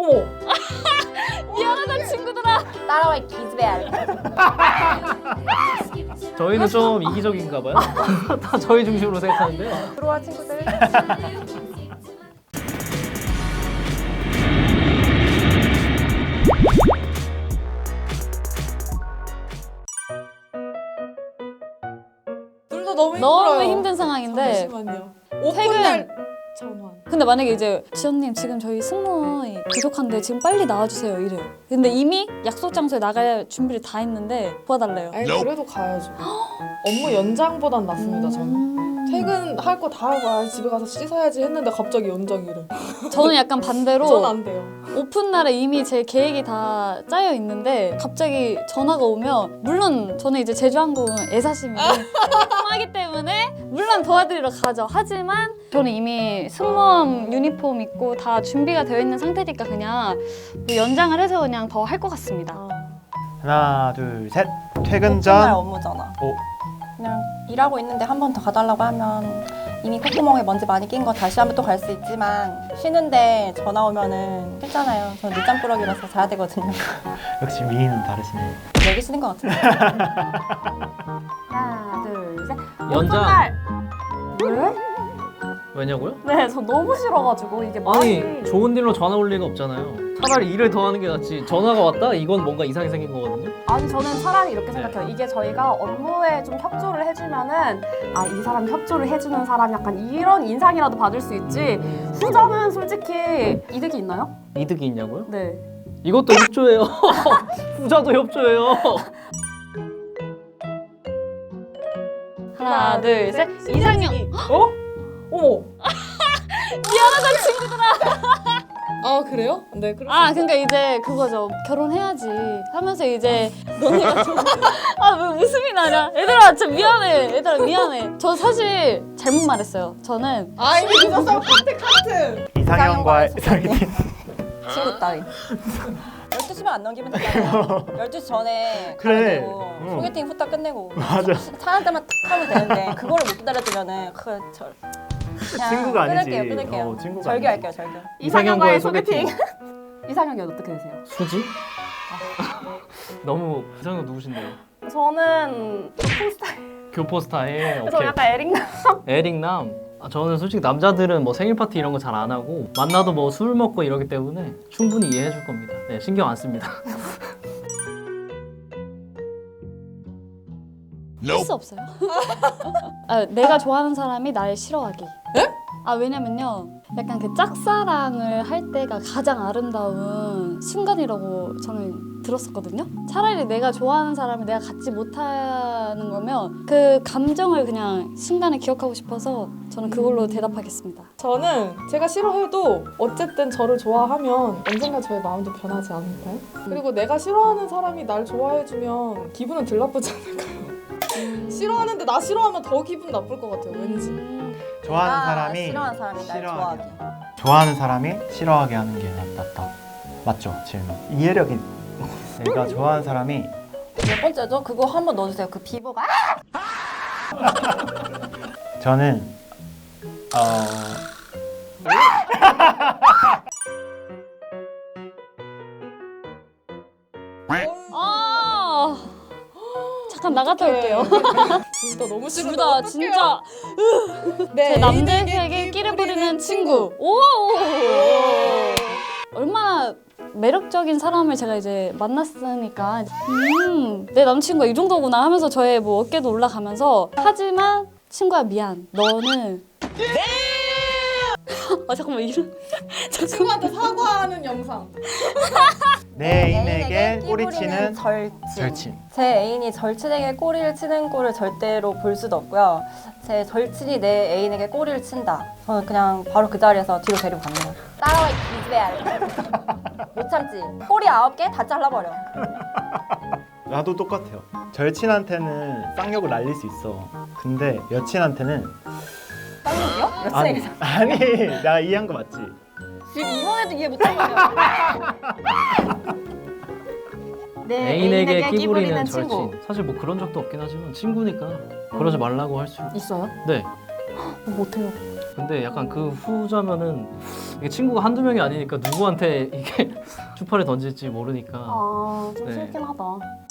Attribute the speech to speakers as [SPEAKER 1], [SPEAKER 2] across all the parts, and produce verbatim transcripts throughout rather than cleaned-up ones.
[SPEAKER 1] 어머.
[SPEAKER 2] 미안하다 친구들아.
[SPEAKER 1] 따라와 이 기집애야.
[SPEAKER 3] 저희는 좀 이기적인가 봐요. 다 저희 중심으로 생각하는데요.
[SPEAKER 1] 들어와 친구들. 둘 다 너무 힘들어요.
[SPEAKER 2] 너무 힘든 상황인데
[SPEAKER 1] 잠시만요.
[SPEAKER 2] 퇴근.
[SPEAKER 1] 오픈 날 전환.
[SPEAKER 2] 근데 만약에 이제 지연님 지금 저희 승무원이 부족한데 지금 빨리 나와주세요 이래. 근데 이미 약속 장소에 나갈 준비를 다 했는데 도와달래요.
[SPEAKER 1] 아니 그래도 가야죠. 업무 연장보단 낫습니다. 저는.
[SPEAKER 2] 음.
[SPEAKER 1] 퇴근할 거 다 하고 아, 집에 가서 씻어야지 했는데 갑자기 연장이래.
[SPEAKER 2] 저는 약간 반대로
[SPEAKER 1] 전 안 돼요.
[SPEAKER 2] 오픈 날에 이미 제 계획이 다 짜여 있는데 갑자기 전화가 오면 물론 저는 이제 제주항공은 애사심이 하기 때문에 물론 도와드리러 가죠. 하지만 저는 이미 승무원 유니폼 입고 다 준비가 되어 있는 상태니까 그냥 뭐 연장을 해서 그냥 더 할 것 같습니다.
[SPEAKER 1] 아.
[SPEAKER 4] 하나 둘 셋.
[SPEAKER 5] 날
[SPEAKER 4] 퇴근 전.
[SPEAKER 5] 업무잖아.
[SPEAKER 4] 오.
[SPEAKER 5] 그냥 일하고 있는데 한 번 더 가달라고 하면 이미 콧구멍에 먼지 많이 낀 거 다시 한번 또 갈 수 있지만 쉬는데 전화 오면은 싫잖아요. 저는 늦잠꾸러기라서 자야 되거든요.
[SPEAKER 4] 역시 미인은 다르시네.
[SPEAKER 5] 여기 쉬는 것 같은데.
[SPEAKER 6] 하나, 둘, 셋.
[SPEAKER 3] 연장.
[SPEAKER 6] 날.
[SPEAKER 2] 왜?
[SPEAKER 3] 왜냐고요?
[SPEAKER 6] 네, 저 너무 싫어가지고 이게
[SPEAKER 3] 아니
[SPEAKER 6] 말이
[SPEAKER 3] 좋은 일로 전화 올 리가 없잖아요. 차라리 일을 더 하는 게 낫지. 전화가 왔다? 이건 뭔가 이상이 생긴 거거든요.
[SPEAKER 6] 아니 저는 차라리 이렇게 생각해요. 이게 저희가 업무에 좀 협조를 해주면은 아, 이 사람 협조를 해주는 사람 약간 이런 인상이라도 받을 수 있지.
[SPEAKER 3] 음.
[SPEAKER 6] 후자는 솔직히 이득이 있나요?
[SPEAKER 3] 이득이 있냐고요?
[SPEAKER 6] 네.
[SPEAKER 3] 이것도 협조예요. 후자도 협조예요.
[SPEAKER 2] 하나 둘 셋. 이상형.
[SPEAKER 1] 어? 어머.
[SPEAKER 2] 미안하다 친구들아.
[SPEAKER 1] 아 그래요? 네 그럼.
[SPEAKER 2] 아 그러니까 이제 그거죠. 결혼해야지 하면서 이제 너네가 좀 아왜 웃음이 나냐? 얘들아 진짜 미안해. 얘들아 미안해. 저 사실 잘못 말했어요. 저는
[SPEAKER 1] 아 이미 늦었어. 카트 카트.
[SPEAKER 4] 이상형과의 소개팅.
[SPEAKER 5] 친구 따위. 열두 시만 안 넘기면 되잖아요. 열두 시 전에
[SPEAKER 4] 그래.
[SPEAKER 5] 가야 되고
[SPEAKER 4] 응.
[SPEAKER 5] 소개팅 후딱 끝내고
[SPEAKER 4] 맞아.
[SPEAKER 5] 차 한 대만 탁 하면 되는데 그거를 못 기다려주면은 그 저, 그냥
[SPEAKER 4] 친구가 아니지.
[SPEAKER 5] 끊을게요 끊을게요.
[SPEAKER 4] 어, 친구가
[SPEAKER 5] 절교할게요 절교.
[SPEAKER 3] 이상형과의 소개팅.
[SPEAKER 6] 이상형이 어떻게 되세요?
[SPEAKER 3] 수지? 너무 이상형 누구신데요?
[SPEAKER 6] 저는 교포 스타일.
[SPEAKER 3] 교포 스타일.
[SPEAKER 6] 그래서
[SPEAKER 3] 오케이.
[SPEAKER 6] 약간 에릭남.
[SPEAKER 3] 에릭남. 아, 저는 솔직히 남자들은 뭐 생일 파티 이런 거 잘 안 하고 만나도 뭐 술 먹고 이러기 때문에 충분히 이해해 줄 겁니다. 네, 신경 안 씁니다.
[SPEAKER 2] 할 수 없어요. 아, 내가 좋아하는 사람이 날 싫어하기. 아 왜냐면요, 약간 그 짝사랑을 할 때가 가장 아름다운 순간이라고 저는 들었었거든요. 차라리 내가 좋아하는 사람을 내가 갖지 못하는 거면 그 감정을 그냥 순간에 기억하고 싶어서 저는 그걸로 대답하겠습니다.
[SPEAKER 1] 저는 제가 싫어해도 어쨌든 저를 좋아하면 언젠가 저의 마음도 변하지 않을까요? 그리고 내가 싫어하는 사람이 날 좋아해주면 기분은 덜 나쁘지 않을까요? 싫어하는데 나 싫어하면 더 기분 나쁠 것 같아요. 왠지.
[SPEAKER 4] 좋아하는
[SPEAKER 5] 아,
[SPEAKER 4] 사람이
[SPEAKER 5] 싫어하는 사람이 날
[SPEAKER 4] 싫어하게.
[SPEAKER 5] 좋아하기.
[SPEAKER 4] 좋아하는 사람이 싫어하게 하는 게 낫다. 맞죠? 질문. 이해력이. 내가 좋아하는 사람이
[SPEAKER 5] 몇 번째죠? 그거 한번 넣어주세요. 그 비보가
[SPEAKER 4] 저는 어
[SPEAKER 2] 아 잠깐 나갔다 올게요.
[SPEAKER 1] 둘 다 너무 싫은데
[SPEAKER 2] 둘 다
[SPEAKER 1] 어떡해요?
[SPEAKER 2] 진짜
[SPEAKER 1] 네,
[SPEAKER 2] 제 남들에게 끼를 부리는 친구. 오! 얼마나 매력적인 사람을 제가 이제 만났으니까 음, 내 남친구가 이 정도구나 하면서 저의 뭐 어깨도 올라가면서 하지만 친구야 미안. 너는 아 잠깐만 이런 잠깐만
[SPEAKER 1] 친구한테 사과하는 영상.
[SPEAKER 4] 내 애인에게 꼬리치는
[SPEAKER 5] 절친.
[SPEAKER 4] 절친.
[SPEAKER 5] 제 애인이 절친에게 꼬리를 치는 꼴을 절대로 볼 수도 없고요. 제 절친이 내 애인에게 꼬리를 친다. 저는 그냥 바로 그 자리에서 뒤로 데리고 갑니다. 따라와 이 기집애야. 못 참지. 꼬리 아홉 개 다 잘라버려.
[SPEAKER 4] 나도 똑같아요. 절친한테는 쌍욕을 날릴 수 있어. 근데 여친한테는
[SPEAKER 5] 쌍욕이요?
[SPEAKER 4] 아니
[SPEAKER 5] 여친에게.
[SPEAKER 4] 아니 내가 이해한 거 맞지?
[SPEAKER 5] 지금 이번에도 이해 못한 거예요.
[SPEAKER 6] 네,
[SPEAKER 3] 애인에게 끼 부리는 절친. 사실 뭐 그런 적도 없긴 하지만 친구니까 그러지 말라고 할 수.
[SPEAKER 6] 있어요?
[SPEAKER 3] 네.
[SPEAKER 6] 못해요.
[SPEAKER 3] 근데 약간 그 후자면은 이게 친구가 한두 명이 아니니까 누구한테 이게 추파를 던질지 모르니까.
[SPEAKER 6] 아, 좀
[SPEAKER 3] 네.
[SPEAKER 6] 싫긴 하다.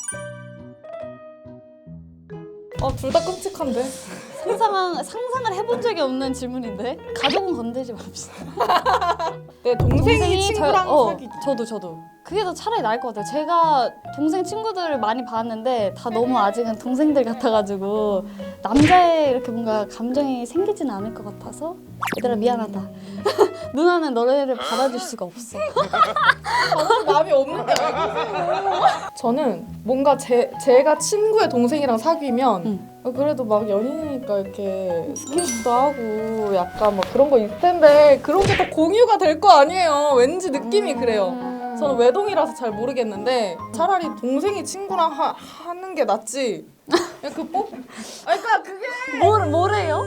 [SPEAKER 1] 어, 둘 다 끔찍한데.
[SPEAKER 2] 상상, 상상을 해본 적이 없는 질문인데? 가족은 건들지 맙시다.
[SPEAKER 1] 내 동생이, 친구랑
[SPEAKER 2] 저, 어,
[SPEAKER 1] 사귀기.
[SPEAKER 2] 저도 저도 그게 더 차라리 나을 것 같아요. 제가 동생 친구들을 많이 봤는데 다 너무 아직은 동생들 같아가지고 남자에 이렇게 뭔가 감정이 생기진 않을 것 같아서 얘들아 미안하다. 누나는 너네를 받아줄 수가 없어.
[SPEAKER 1] 저는 마음이 없는데 왜 그러세요? 저는 뭔가 제, 제가 친구의 동생이랑 사귀면
[SPEAKER 2] 응.
[SPEAKER 1] 어, 그래도 막 연인이니까 이렇게 스킨십도 하고 약간 막 그런 거 있을 텐데 그런 게 더 공유가 될 거 아니에요. 왠지 느낌이 그래요.
[SPEAKER 6] 음.
[SPEAKER 1] 저는 외동이라서 잘 모르겠는데 차라리 동생이 친구랑 하, 하는 게 낫지. 그냥 그 뽀? 아니 그러니까 그게
[SPEAKER 2] 뭘, 뭐래요?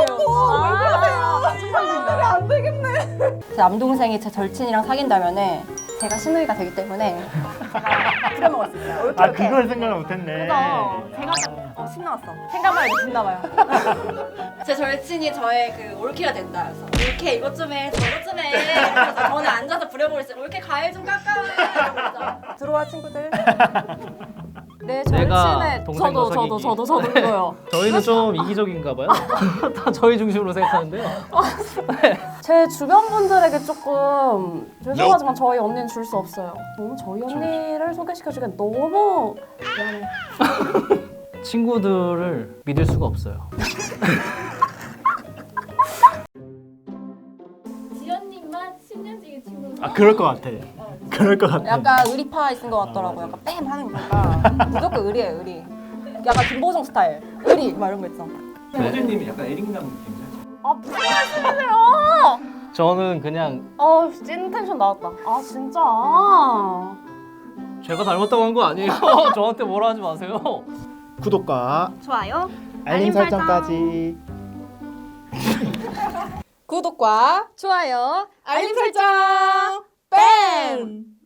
[SPEAKER 6] 아,
[SPEAKER 1] 안 되겠네.
[SPEAKER 5] 제 남동생이 제 절친이랑 사귄다면은 제가 신우이가 되기 때문에 제가 부려먹을 수 있어요. 이렇게
[SPEAKER 4] 아
[SPEAKER 5] 이렇게.
[SPEAKER 4] 그걸 생각을 못했네.
[SPEAKER 5] 그래서 제가 딱 어, 신나왔어. 생각만 해도 신나봐요. 제 절친이 저의 그 올케가 된다. 그래서 올케 이것 좀 해, 저것 좀 해. 그래서 저는 앉아서 부려먹을 수 있어요. 올케 과일 좀 깎아. 들어와 친구들.
[SPEAKER 6] 내
[SPEAKER 3] 내가
[SPEAKER 6] 절친의
[SPEAKER 3] 동생과
[SPEAKER 6] 저도 저도
[SPEAKER 3] 사귀기.
[SPEAKER 6] 저도 저도 이거요.
[SPEAKER 3] 저희는 좀 이기적인가 봐요. 다 저희 중심으로 생각하는데요.
[SPEAKER 6] 제 주변 분들에게 조금 죄송하지만 저희 언니는 줄 수 없어요. 너무 저희 언니를 소개시켜주기엔 너무 미안해.
[SPEAKER 3] 친구들을 믿을 수가 없어요.
[SPEAKER 2] 지연님만 십 년지기 친구.
[SPEAKER 4] 아 그럴 것 같아. 그럴 것 같아.
[SPEAKER 5] 약간 의리파 있는 것 같더라고요. 약간 뺨 하는 거가 무조건 의리예요, 의리. 약간 김보정 스타일. 의리 막 이런 거 있어.
[SPEAKER 3] 호주님이 약간 에릭남 느낌이죠.
[SPEAKER 6] 아 무슨 말씀이세요?
[SPEAKER 3] 저는 그냥
[SPEAKER 6] 아찐 텐션 나왔다. 아 진짜.
[SPEAKER 3] 제가 잘못다고 한 거 아니에요. 저한테 뭐라 하지 마세요.
[SPEAKER 4] 구독과
[SPEAKER 5] 좋아요.
[SPEAKER 4] 알림 설정까지.
[SPEAKER 1] 구독과
[SPEAKER 2] 좋아요.
[SPEAKER 1] 알림 설정 뺨!